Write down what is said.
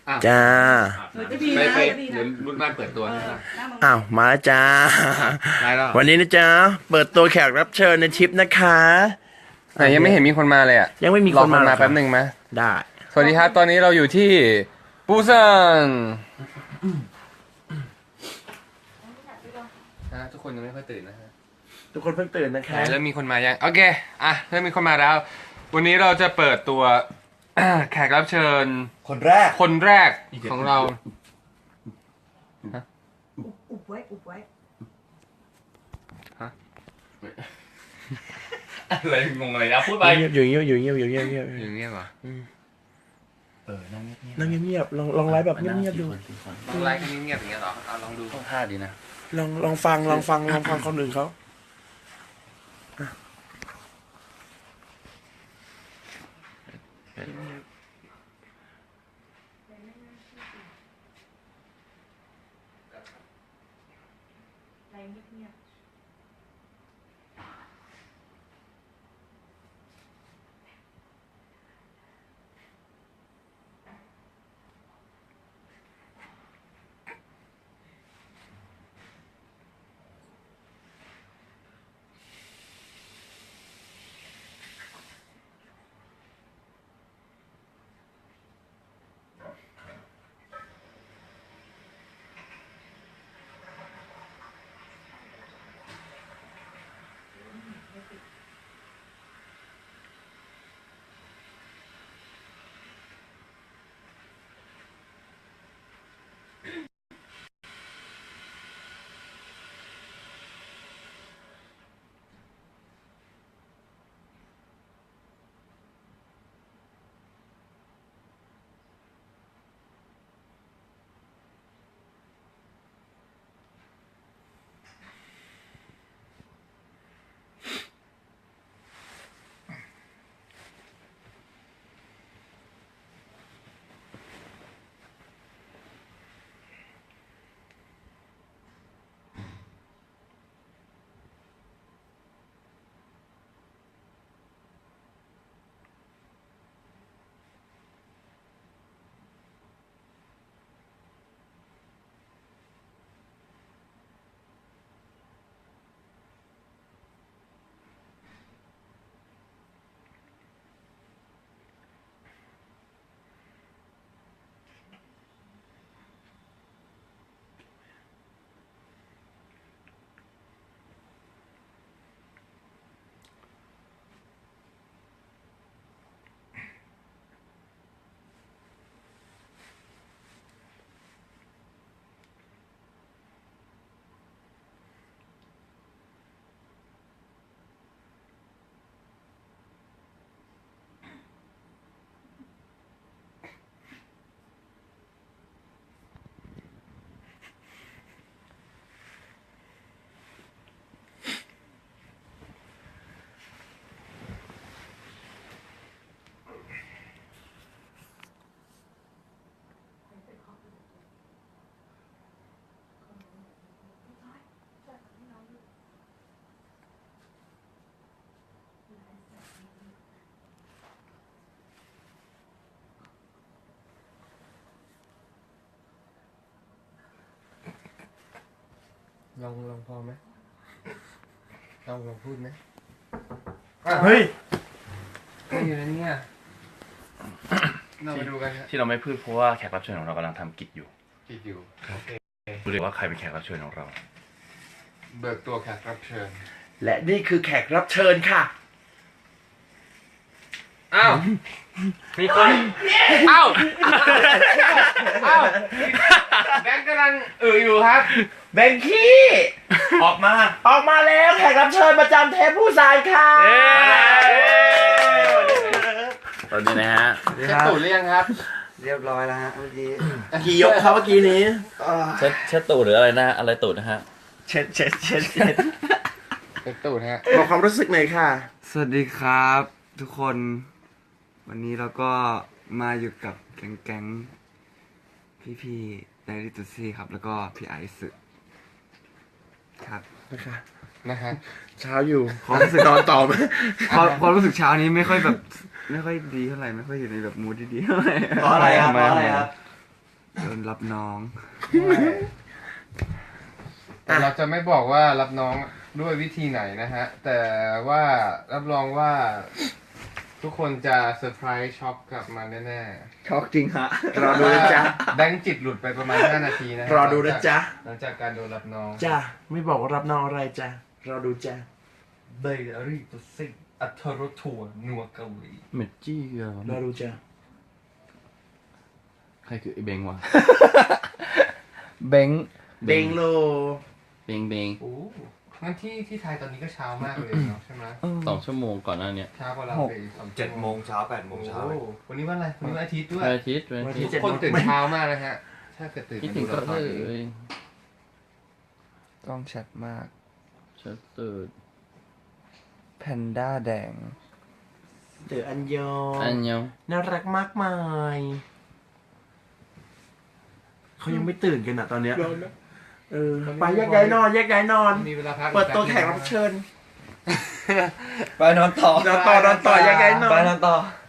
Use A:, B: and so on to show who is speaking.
A: จ้า
B: ไปเดี๋ยวรุ่นบ้านเปิดตัวนะครับ
A: อ้าวมาแล้วจ้า
B: ได้แล้ว
A: วันนี้นะจ๊ะเปิดตัวแขกรับเชิญในทริปนะคะ
C: แต่ยังไม่เห็นมีคนมาเลยอ่ะ
A: ยังไม่มี
C: ร
A: ค
C: อน
A: มา
C: มา
A: หรอ
C: แป๊บหนึ่งไหม
A: ได้
C: สวัสดีครับ ตอนนี้เราอยู่ที่ปูซานทุกคนยังไม่ค่อยตื่นนะฮะ
A: ทุกคนเพิ่งตื่นนะคะ
C: เริ่มมีคนมายังโอเคเริ่มมีคนมาแล้ว วันนี้เราจะเปิดตัว แขกรับเชิญ
A: คนแรก
C: คนแรกของเรา
D: อุบไว้อุบไว้
B: อะไรงงอะไรนะพูดไป
A: อยู่เงียบอยู่เงียบอยู่เงียบอยู่เงียบ
C: อย่างเงี้ยเหรอ
B: นั่งเงียบ
A: นั่งเงียบลองไลฟ์แบบเงียบๆดู
C: ต้องไลฟ์กันเงียบๆอย่างเงี้ยเหรอเอาลองดู
B: ท่าดีนะ
A: ลองฟังคนอื่นเขา
C: ลองพอไหมลองพูดไหม
A: เฮ้ย
C: ไม่อยู่ในนี้เราไปดูกันครับ
B: ที่เราไม่พูดเพราะว่าแขกรับเชิญของเรากำลังทำกิจอยู่
C: คิดอยู่
B: รู้เลยว่าใครเป็นแขกรับเชิญของเรา
C: เบิกตัวแขกรับเชิญ
A: และนี่คือแขกรับเชิญค่ะ
C: อ้าวมีคนอ้าวแบงค์กำลังอยู่ครับ
A: แบงกี้ออกมาแล้วแขกรับเชิญประจำเทปผู้สายค่ะ
B: ตอนนี้นะฮะ
C: เช็ดตูดหรือยังครับ
E: เรียบร้อยแล้วฮะเมื่อกี้
A: กี่ยกครับเมื่อกี้นี้
B: เช็ดตูดหรืออะไรนะอะไรตูดนะฮะ
A: เช็ด
C: เช็ดตูดฮะ
A: บอกความรู้สึกหน่อยค่ะ
E: สวัสดีครับ ทุกคน วันนี้เราก็มาอยู่กับแก๊งพี่ไดริตุซี่ครับ แล้วก็พี่ไอซ์ครับ
C: นะฮะ
A: เช้าอยู่
E: ความรู้สึก
A: นอนต่อไหม
E: ความรู้สึกเช้านี้ไม่ค่อยดีเท่าไหร่ไม่ค่อยอยู่ในแบบมูดดีๆเท่าไหร่
A: เพราะอะไรครับ
E: ทำไม
A: เพราะอะไรครับ
E: โดนรับน้อง
C: แต่เราจะไม่บอกว่ารับน้องด้วยวิธีไหนนะฮะ แต่ว่ารับรองว่าทุกคนจะเซอร์ไพรส์ช็อกกลับมาแน่
E: ช็อกจริงฮะ
A: รอดูนะจ๊ะ
C: แบงค์จิตหลุดไปประมาณ 5 นาทีนะฮะ
A: รอดูนะจ๊ะ
C: หลังจากการโดนรับน้อง
A: จ้ะไม่บอกว่ารับน้องอะไรจ้ะรอดูจ้ะ
C: เบย์รี่ตุซิงอัทรทัวนัวเกาหลี
B: เมดจี้เหรอ
A: รอดูจ้ะ
B: ใครคือไอ้เบงวะ
E: เบง
A: เบงโล
B: เบงเบง
C: โอ้งั้นที่ไทยตอนนี้ก็เช้ามากเลยเนาะใช่ไหม
B: 2 ชั่วโมงก่อนหน้าเนี้ย
C: เช้ากว่าเราไป2
F: 7 โมงเช้า 8 โมงเช้า
C: โอ้วันนี้วันอะไรวันนี้วันอาทิตย์ด้วย
B: วันอาทิตย์วันอาทิตย์
C: ทุกคนตื่นเช้ามากนะฮะ ถ้าเกิดตื่น
B: คิด
C: มา
B: ถึ
C: ดู
B: งก็
C: ละค
B: เล
C: รนี้
B: ย
E: ต้องชัดมาก
B: ฉันตื่น
E: แพนด้าแดง
A: เต๋ออันยอง
B: อันยัง
A: น่ารักมากมายเขายังไม่ตื่นกันอ่ะตอนเนี้ยไปแยกย้ายนอนแยกย้ายนอน
C: มีเวลาพัก
A: เปิดตัวแขกรับเชิญ
E: ไปนอนต่อ
A: นอนต่อแยกย้ายนอน
E: ไปนอนต่อ